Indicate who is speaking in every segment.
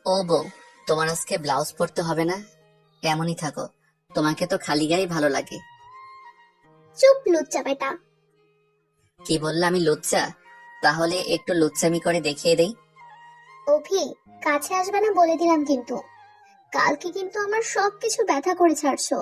Speaker 1: ও বউ, তোমার আজকে ব্লাউজ পরতে হবে না? এমনই থাকো, তোমাকে তো খালি গায়ে ভালো লাগে।
Speaker 2: চুপ লুচ্চা বেটা।
Speaker 1: কি বললে, আমি লুচ্চা? তাহলে একটু লুচ্চামি করে দেখিয়ে দেই।
Speaker 2: অভি, কাছে আসবে না বলে দিলাম কিন্তু। কালকে কিন্তু আমার সবকিছু ব্যথা করে ছাড়ছো।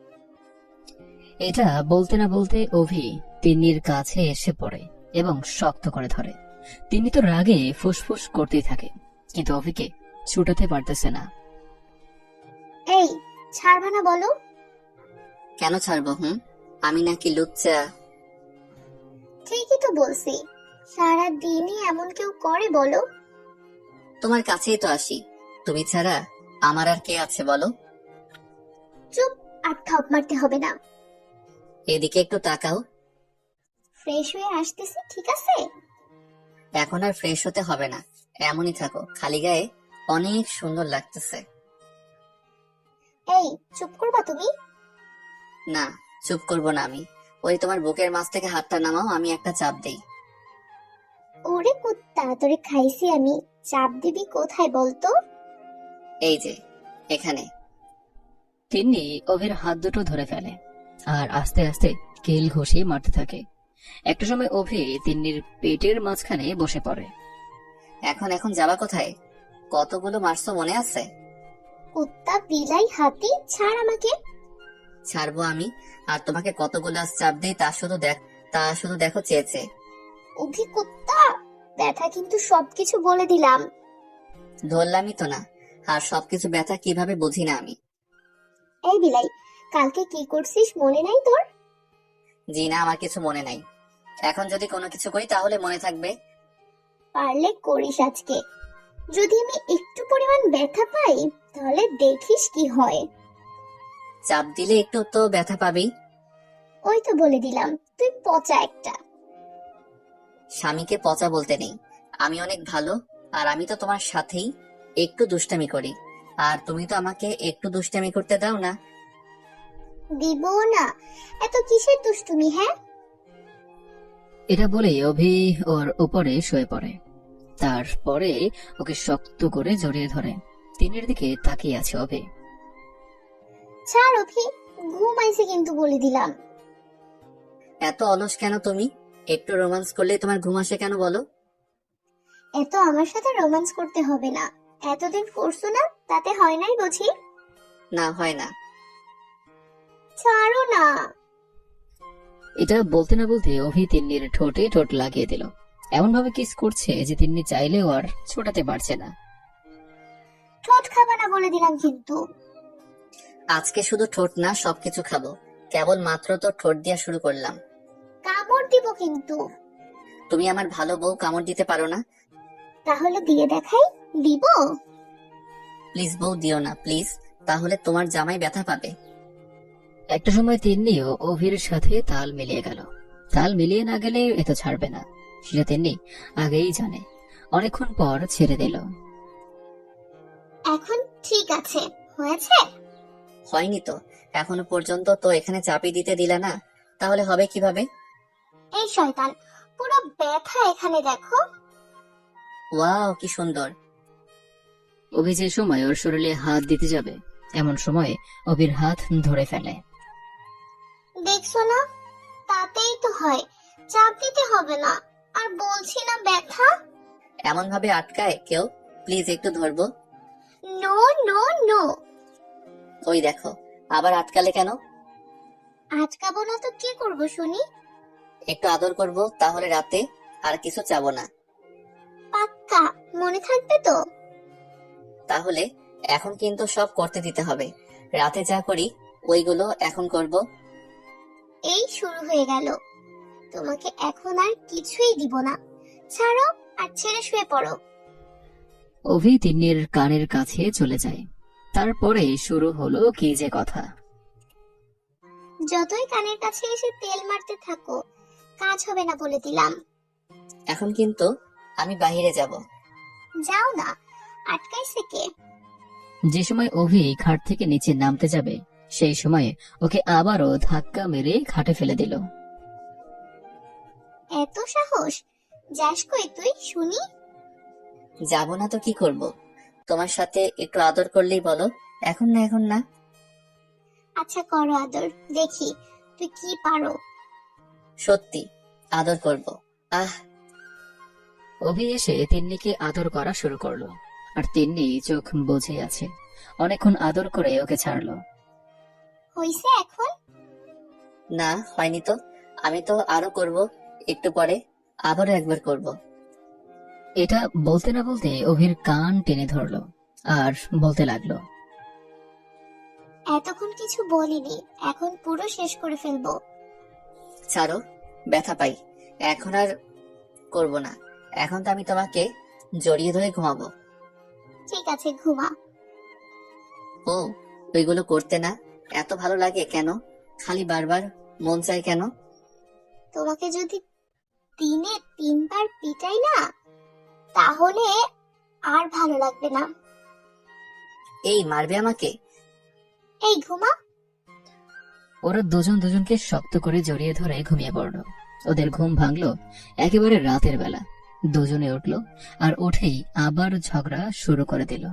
Speaker 3: এটা বলতে না বলতে অভি তিন্নির কাছে এসে পড়ে এবং শক্ত করে ধরে। তিনি তো রাগে ফুসফুস করতেই থাকে, কিন্তু অভিকে ছুটাতে পারতেছে না।
Speaker 2: এই, ছাড়বা না বলো।
Speaker 1: কেন ছাড়বো? আমি নাকি লুচ্চা?
Speaker 2: ঠিকই তো বলছি। সারা দিনই এমন কেউ করে বলো?
Speaker 1: তোমার কাছেই তো আসি, তুমি ছাড়া আমার আর কে আছে বলো?
Speaker 2: চুপ, আর থপ মারতে হবে না।
Speaker 1: এদিকে একটু তাকাও।
Speaker 2: ফ্রেশ হয়ে আসতেছি, ঠিক আছে?
Speaker 1: এখন আর ফ্রেশ হতে হবে না, এমনই থাকো, খালি গায়ে অনেক সুন্দর লাগতেছে।
Speaker 2: এই, চুপ করবা তুমি?
Speaker 1: না, চুপ করবো না আমি। ওই তোমার বুকের মাছ থেকে হাতটা নামাও, আমি একটা চাপ দেই।
Speaker 2: ওরে কুত্তা, তোরে খাইছি আমি। চাপ দিবি কোথায় বলতো?
Speaker 1: এই যে, এখানে।
Speaker 3: তিন্নি অভির হাত দুটো ধরে ফেলে আর আস্তে আস্তে কেল ঘষিয়ে মারতে থাকে। একটা সময় অভি তিন্নির পেটের মাঝখানে বসে পড়ে।
Speaker 1: এখন এখন যাবা কোথায়? কতগুলো মারছো মনে আছে?
Speaker 2: কুত্তা, বিলাই, হাতি, ছাড় আমাকে।
Speaker 1: ছাড়বো আমি? আর তোমাকে কতগুলো আজ চাপ দেই তা শুধু দেখো চেয়েছে।
Speaker 2: অভি কুত্তা, ব্যথা কিন্তু সবকিছু বলে দিলাম।
Speaker 1: ধরলামই তো না। আর সবকিছু ব্যথা কিভাবে বুঝি না আমি?
Speaker 2: এই বিলাই, কালকে কি করছিস মনে নাই তোর?
Speaker 1: জি না, আমার কিছু মনে নাই। এখন যদি কোনো কিছু করি তাহলে মনে থাকবে।
Speaker 2: পারলে করিস আজকে। যদি আমি একটু পরিমাণ ব্যথা পাই, তাহলে দেখিস কি হয়।
Speaker 1: চাপ দিলে একটু তো ব্যথা পাবেই।
Speaker 2: ওই তো বলে দিলাম, তুই পচা একটা।
Speaker 1: স্বামীকে পচা বলতে নেই। আমি অনেক ভালো। আর আমি তো তোমার সাথেই একটু দুষ্টামি করি। আর তুমি তো আমাকে একটু দুষ্টামি করতে দাও না।
Speaker 2: দিব না। এত কিসের দুষ্টুমি, হ্যাঁ?
Speaker 3: এটা বলেই অভি ওর উপরে শুয়ে পড়ে। তারপরে ওকে শক্ত করে জড়িয়ে ধরে। তিন্নির দিকে তাকিয়ে আছে অভি।
Speaker 2: ছাড় অভি, ঘুম আইছে কিন্তু বলে দিলাম।
Speaker 1: এত অলস কেন তুমি? একটু রোমান্স করলে তোমার ঘুম আসে কেন বলো?
Speaker 2: এত আমার সাথে রোমান্স করতে হবে না। এতদিন করছো না, তাতে হয় নাই বুঝি?
Speaker 1: না, হয় না।
Speaker 2: ছাড়ো না।
Speaker 3: এটা বলতে না বলতে অভি তিন্নির ঠোঁটে ঠোঁট লাগিয়ে দিল। এমন ভাবে কিস করছে যে তিন্নি চাইলেও আর ছোটাতে পারছে না।
Speaker 2: ঠোঁট খাবা না বলে দিলাম কিন্তু।
Speaker 1: আজকে শুধু ঠোঁট না, সবকিছু খাবো। কেবল মাত্র তো ঠোঁট দিয়া শুরু করলাম।
Speaker 2: কামড় দিব কিন্তু।
Speaker 1: তুমি আমার ভালো বউ, কামড় দিতে পারো না?
Speaker 2: তাহলে দিয়ে দেখাই। দিব?
Speaker 1: প্লিজ বউ, দিও না প্লিজ। তাহলে তোমার জামাই ব্যথা পাবে।
Speaker 3: একটা সময় তিন্নিও অভির সাথে তাল মিলিয়ে গেল। তাল মিলিয়ে না গেলে এ তো ছাড়বে না, সেটা তিন্নি আগেই জানে। অনেকক্ষণ পর ছেড়ে দিল।
Speaker 2: এখন ঠিক আছে, হয়েছে?
Speaker 1: হয়নি তো। এখনো পর্যন্ত তো এখানে চাপি দিতে দিলা না, তাহলে হবে কিভাবে?
Speaker 2: এই শয়তান, পুরো ব্যথা এখানে দেখো।
Speaker 1: ওয়াও, কি সুন্দর।
Speaker 3: অভি যে সময় ওর শরীরে হাত দিতে যাবে, এমন সময় অভির হাত ধরে ফেলে।
Speaker 2: দেখছো না, তাতেই তো হয়। চাপ দিতে হবে না। আর বলছি না ব্যথা।
Speaker 1: এমন ভাবে আটকায় কেউ? প্লিজ একটু ধরবো।
Speaker 2: No no no.
Speaker 1: ওই দেখো, আবার আটকালে কেন?
Speaker 2: আটকাবো না তো কি করবো শুনি?
Speaker 1: একটু আদর করব, তাহলে রাতে আর কিছু চাবো না।
Speaker 2: পাক্কা? মনে থাকবে তো?
Speaker 1: তাহলে এখন কিন্তু সব করতে দিতে হবে। রাতে যা করি ওইগুলো এখন করব।
Speaker 2: এই শুরু হয়ে গেল। তোমাকে এখন আর কিছুই দিব না। ছাড়ো, আর ছেড়ে শুয়ে পড়ো।
Speaker 3: অভি তিন্নির কানের কাছে চলে যায়। তারপরে শুরু হলো কি যে কথা।
Speaker 2: যতই কানের কাছে এসে তেল মারতে থাকো, কাজ হবে না বলে দিলাম।
Speaker 1: এখন কিন্তু আমি বাইরে যাব।
Speaker 2: যাও না, আটকাইছে কে?
Speaker 3: যে সময় অভি খাট থেকে নিচে নামতে যাবে, সেই সময়ে ওকে আবারও ধাক্কা মেরে খাটে ফেলে দিল।
Speaker 2: এত সাহস! যাস কই তুই শুনি?
Speaker 1: যাব না তো কি করব? তোমার সাথে একটু আদর করলেই বলো। এখন না, এখন না।
Speaker 2: আচ্ছা করো আদর, দেখি তুই কি পারো।
Speaker 1: সত্যি আদর করব। আহ।
Speaker 3: অভি এসে তিন্নিকে আদর করা শুরু করলো, আর তিন্নি চোখ বুজে আছে। অনেকক্ষণ আদর করে ওকে ছাড়লো।
Speaker 2: হইছে এখন?
Speaker 1: না, হয়নি তো। আমি তো আরো করব, একটু পরে আবারও একবার করব।
Speaker 3: এটা বলতে না বলতে অভির কান টেনে ধরলো আর বলতে লাগলো,
Speaker 2: এতক্ষণ কিছু বলিনি, এখন পুরো শেষ করে ফেলবো।
Speaker 1: ছাড়ো, ব্যথা পাই। এখন আর করব না। এখন তো আমি তোমাকে জড়িয়ে ধরে ঘুমাবো।
Speaker 2: ঠিক আছে, ঘুমা।
Speaker 1: ও, ওইগুলো করতে না? এত ভালো লাগে কেন? খালি বারবার মন চাই কেন?
Speaker 2: তোমাকে যদি দিনে 3বার পিটাই না, তাহলে আর ভালো লাগবে না।
Speaker 1: এই মারবে আমাকে?
Speaker 2: এই ঘুমা।
Speaker 3: ওরা দুজন দুজনকে শক্ত করে জড়িয়ে ধরে ঘুমিয়ে পড়লো। ওদের ঘুম ভাঙলো একেবারে রাতের বেলা। দুজনে উঠলো আর উঠেই আবার ঝগড়া শুরু করে দিল।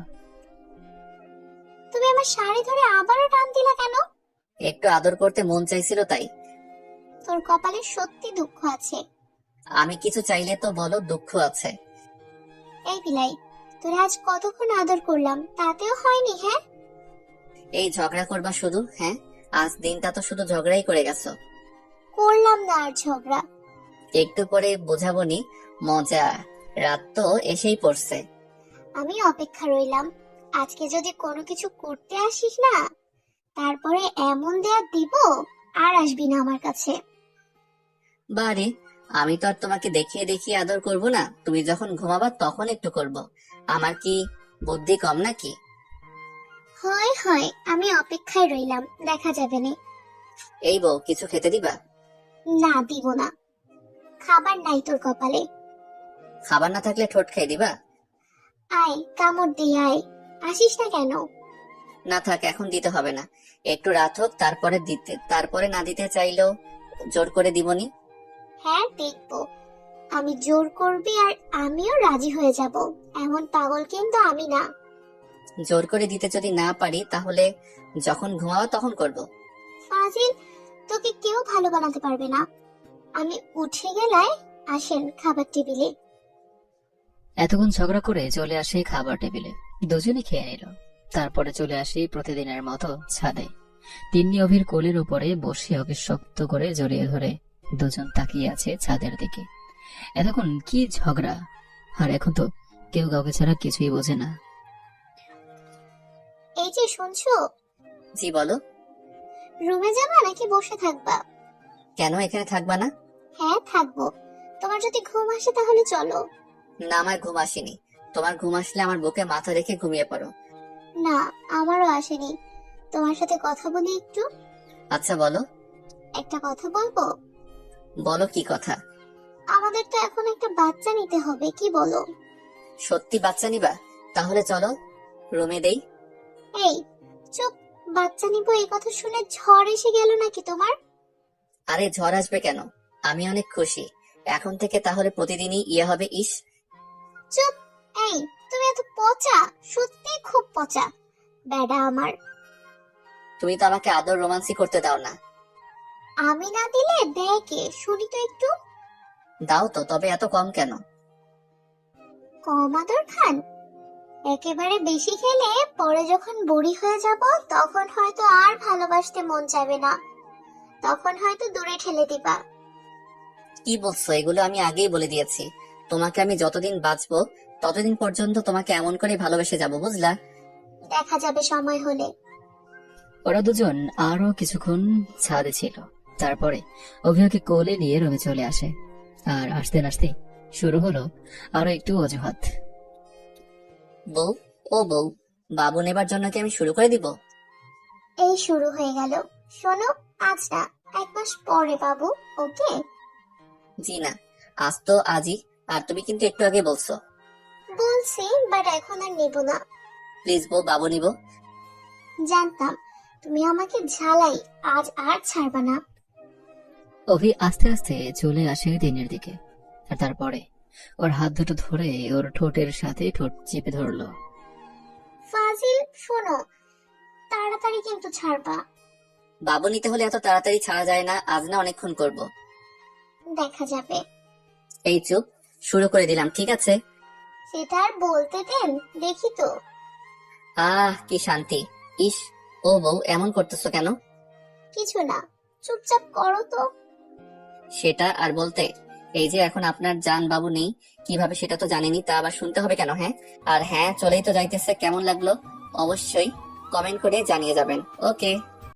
Speaker 2: তুমি আমার শাড়ি ধরে আবারও টান দিলা কেন?
Speaker 1: একটু আদর করতে মন চাইছিল তাই।
Speaker 2: তোর কপালে সত্যি দুঃখ আছে।
Speaker 1: আমি কিছু চাইলে তো বলো দুঃখ আছে।
Speaker 2: এই বিলাই, তোরে আজ কতক্ষণ আদর করলাম, তাতেও হয়নি? হ্যাঁ,
Speaker 1: এই ঝগড়া করবা শুধু? হ্যাঁ, আজ দিনটা তো শুধু ঝগড়াই করে গেছো।
Speaker 2: করলাম না আর ঝগড়া।
Speaker 1: একটু পরে বোঝাবনি মজা। রাত তো এসেই পড়ছে।
Speaker 2: আমি অপেক্ষা রইলাম। আজকে যদি কোনো কিছু করতে আসিস না, তারপরে এমন দেয়া দিব আর আসবি না আমার কাছে।
Speaker 1: বারে, আমি তো আর তোমাকে দেখিয়ে দেখিয়ে আদর করব না। তুমি যখন ঘুমাবা তখন একটু করব। আমার কি বুদ্ধি কম নাকি?
Speaker 2: হয় হয়, আমি অপেক্ষায় রইলাম, দেখা যাবে না।
Speaker 1: এই বউ, কিছু খেতে দিবা?
Speaker 2: না, দিব না। খাবার নাই তোর কপালে।
Speaker 1: খাবার না থাকলে ঠোঁট খেয়ে দিবা?
Speaker 2: আয়, কামড় দিয়ে আয়। আসিস না কেন?
Speaker 1: না থাক, এখন দিতে হবে না। একটু রাত হোক, তারপরে না দিতে চাইলেও জোর করে দিবনি।
Speaker 2: হ্যাঁ, দেখবো। আমি জোর করবি আর আমিও রাজি হয়ে যাব। এমন পাগল কিন্তু আমি না।
Speaker 1: জোর করে দিতে যদি না পারি, তাহলে যখন ঘুমাবো তখন করব।
Speaker 2: ফাজিল, তোকে কেউ ভালো বানাতে পারবে না। আমি উঠে গেলায় আসেন খাবার টেবিলে।
Speaker 3: এতক্ষণ ঝগড়া করে চলে আসে খাবার টেবিলে। দুজনে খেয়ে নিল। তারপরে চলে আসি প্রতিদিনের মতো ছাদে। তিন্নি অভির কোলের উপরে বসে ওকে শক্ত করে জড়িয়ে ধরে দুজন তাকিয়ে আছে ছাদের দিকে। এতক্ষণ কি ঝগড়া, আর এখন তো কেউ কাউকে ছাড়া কিছুই বোঝে না।
Speaker 2: এই যে শুনছো,
Speaker 1: জি বলো।
Speaker 2: রুমে যাবা নাকি বসে থাকবা?
Speaker 1: কেন এখানে থাকবা না?
Speaker 2: হ্যাঁ, থাকবো। তোমার যদি ঘুম আসে তাহলে চলো।
Speaker 1: না, আমার ঘুম আসেনি। তোমার ঘুম আসলে আমার বুকে মাথা রেখে ঘুমিয়ে পড়ো।
Speaker 2: না, আমারও আসেনি। তোমার সাথে কথা বলি একটু।
Speaker 1: আচ্ছা বলো।
Speaker 2: একটা কথা বলবো?
Speaker 1: বলো, কি কথা?
Speaker 2: আমাদের তো এখন একটা বাচ্চা নিতে হবে, কি বলো?
Speaker 1: সত্যি বাচ্চা নিবা? তাহলে চলো রুমে দেই।
Speaker 2: এই চুপ, বাচ্চা নিবো এই কথা শুনে ঝড় এসে গেল নাকি তোমার?
Speaker 1: আরে ঝড় আসবে কেন? আমি অনেক খুশি। এখন থেকে তাহলে প্রতিদিনই ইয়ে হবে। ইস।
Speaker 2: চুপ। এই, তুমি এত পচা, সত্যি খুব পচা বেডা আমার।
Speaker 1: তুমি তো আমাকে আদর রোমান্সি করতে দাও না।
Speaker 2: আমি না দিলে দেয় কে? শুনি তো একটু।
Speaker 1: দাও তো, তবে এত কম কেন?
Speaker 2: কম আদর খান? একেবারে বেশি খেলে পরে যখন বুড়ি হয়ে যাব, তখন হয়তো আর ভালোবাসতে মন চাইবে না। তখন হয়তো দূরে ঠেলে দিবা।
Speaker 1: কি বলছো এগুলো? আমি আগেই বলে দিয়েছি, তোমাকে আমি যতদিন বাঁচবো ততদিন পর্যন্ত তোমাকে এমন করে ভালোবেসে যাব, বুঝলা?
Speaker 2: দেখা যাবে সময় হলে।
Speaker 3: ওরা দুজন আরো কিছুক্ষণ ছাদে ছিল। তারপরে অভিয়াকে কোলে নিয়ে রুমে চলে আসে। আর আসতে আসতে শুরু হলো আরো একটু অজুহাত।
Speaker 1: বউ, ও বউ, বাবু নেবার জন্য কি আমি শুরু করে দিব?
Speaker 2: এই শুরু হয়ে গেল। শোনো, আজ না, 1 মাস পরে বাবু, ওকে?
Speaker 1: জি না, আজ তো আজই। আর তুমি কিন্তু একটু আগে বলছো।
Speaker 2: বলছি, বাট এখন আর নেব না।
Speaker 1: প্লিজ বউ, বাবু নিব।
Speaker 2: জানতাম তুমি আমাকে ঝালাই, আজ আর ছাড়বা না।
Speaker 3: অভি আস্তে আস্তে চলে আসে দিনের দিকে। আর তারপরে ওর হাত দুটো ধরে ওর ঠোঁটের সাথে ঠোঁট চেপে ধরলো।
Speaker 2: ফাজিল, শোনো, তাড়াতাড়ি কিন্তু ছাড়বা।
Speaker 1: বাবু নিতে হলে এত তাড়াতাড়ি ছাড়া যায় না, আজ না অনেকক্ষণ করব।
Speaker 2: দেখা যাবে।
Speaker 1: এই চুপ, শুরু করে দিলাম, ঠিক আছে?
Speaker 2: সেটা আর বলতে দেন, দেখি তো।
Speaker 1: কি শান্তি। ইস, ও বউ এমন করতেছো কেন?
Speaker 2: কিছু না, চুপচাপ করো তো।
Speaker 1: সেটা আর বলতে, এই যে এখন আপনার জান বাবু নেই, কিভাবে সেটা তো জানেনি, তা আবার শুনতে হবে কেন? হ্যাঁ, আর হ্যাঁ, চলেই তো যাইতেছে, কেমন লাগলো অবশ্যই কমেন্ট করে জানিয়ে যাবেন। ওকে।